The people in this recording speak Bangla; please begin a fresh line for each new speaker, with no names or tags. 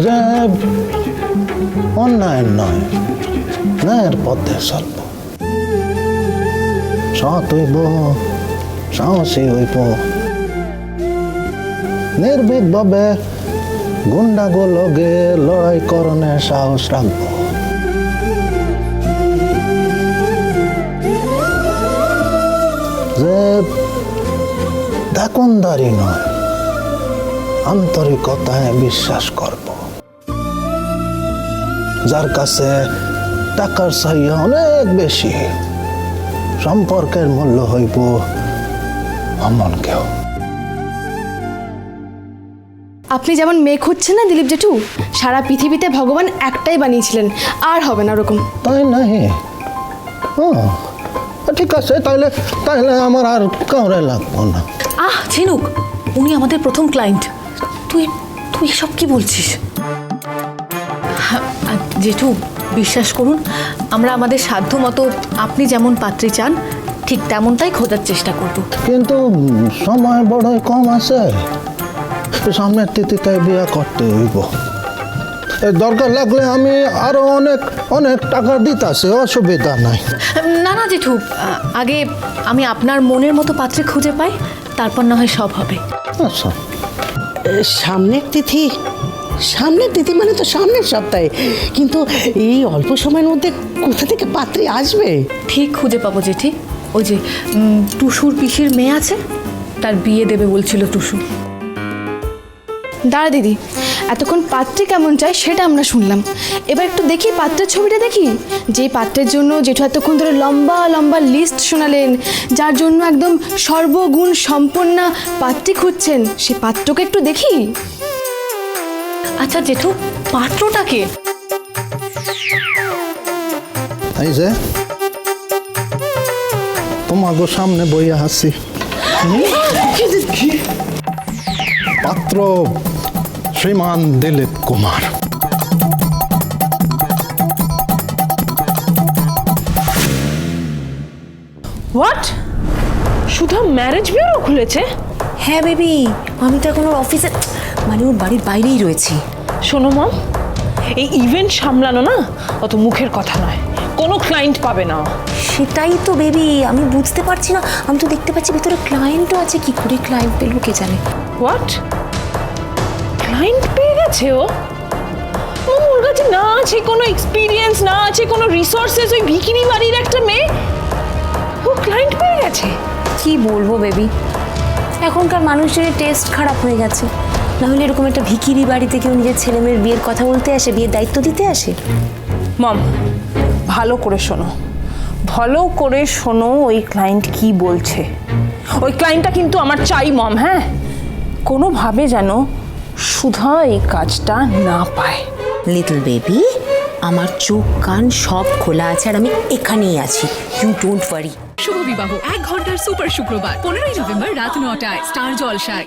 যে অন্যায় নয়, ন্যায়ের পথে চলব, সৎ হইব, সাহসী হইব, নির্ভীকভাবে গুন্ডাগুলোকে লড়াই করণের সাহস রাখবো। যে দাকনদারি নয়, আন্তরিকতায় বিশ্বাস করব, যার কাছে টাকার চাহিদা অনেক বেশি, সম্পর্কের মূল্য হইব এমন কেউ।
আপনি যেমন মেয়ে খুঁজছেন না দিলীপ জেঠু, সারা পৃথিবীতে ভগবান একটাই বানিয়েছিলেন, আর হবে না ওরকম।
তাই নাই? ঠিক আছে, তাইলে তাইলে আমার আর কাউরে লাগবো না।
ঝিনুক, উনি আমাদের প্রথম ক্লায়েন্ট। তুই তুই এসব কি বলছিস? জেঠু, বিশ্বাস করুন, আমরা আমাদের সাধ্য মতো আপনি যেমন পাত্রী চান ঠিক তেমনটাই খোঁজার চেষ্টা করব।
কিন্তু সময় বড়ই কম আছে, সামনের তিথিতে বিয়ে করতে হইব। দরকার লাগলে আমি আরো অনেক অনেক টাকা দিতেছি, অসুবিধা নাই।
না না জেঠু, আগে আমি আপনার মনের মতো পাত্রী খুঁজে পাই, তারপর না হয় সব হবে।
আচ্ছা,
সামনের তিথি? সামনের তিথি মানে তো সামনের সপ্তাহে, কিন্তু এই অল্প সময়ের মধ্যে কোথা থেকে পাত্রী আসবে?
ঠিক খুঁজে পাবো জেঠি। ওই যে টুসুর পিসির মেয়ে আছে, তার বিয়ে দেবে বলছিল টুসু।
দাঁড়া দিদি, এতক্ষণ পাত্রে কেমন চাই সেটা আমরা শুনলাম, এবার একটু দেখি পাত্রের ছবিটা দেখি। যে পাত্রের জন্য জেঠু এতক্ষণ ধরে লম্বা লম্বা লিস্ট শোনালেন, যার জন্য একদম সর্বগুণ সম্পন্না পাত্রী খুঁজছেন, সে পাত্রকে একটু দেখি।
আচ্ছা জেঠু, পাত্রটাকে?
এই যে তোমাকে সামনে বইয়া আছি। পাত্র শ্রীমান Dilip Kumar.
What? Sudha marriage bureau খুলেছে?
হ্যাঁ বেবি, আমি তো এখন ওর অফিসে মানে ওর বাড়ির বাইরেই রয়েছি।
শোনো মম, এই ইভেন্ট সামলানো না অত মুখের কথা নয়, কোনো ক্লায়েন্ট পাবে না।
সেটাই তো বেবি, আমি বুঝতে পারছি না। আমি তো দেখতে পাচ্ছি ভিতরে ক্লায়েন্টও আছে, কি করে ক্লায়েন্ট পেলো কে জানে।
হোয়াট? ক্লায়েন্ট পেয়ে গেছে ও? ওর কাছে না আছে কোনো এক্সপিরিয়েন্স, না আছে কোনো রিসোর্সেস, ওই ভিখিরি বাড়ির একটা মেয়ে ও ক্লায়েন্ট পেয়ে গেছে।
কি বলবো বেবি, এখনকার মানুষজনের টেস্ট খারাপ হয়ে গেছে। না হলে এরকম একটা ভিখিরি বাড়িতে কেউ নিজের ছেলে মেয়ের বিয়ের কথা বলতে আসে, বিয়ের দায়িত্ব দিতে আসে?
মম, ভালো করে শোনো, ভালো করে শোনো ওই ক্লায়েন্ট কি বলছে। ওই ক্লায়েন্টটা কিন্তু আমার চাই মম। হ্যাঁ, কোনোভাবে যেন সুধা এই কাজটা না পায়।
লিটল বেবি, আমার চোখ কান সব খোলা আছে, আর আমি এখানেই আছি। You don't worry.
শুভ বিবাহ 1 ঘন্টার সুপার শুক্রবার 15ই নভেম্বর রাত 9টায় স্টার জলসায়।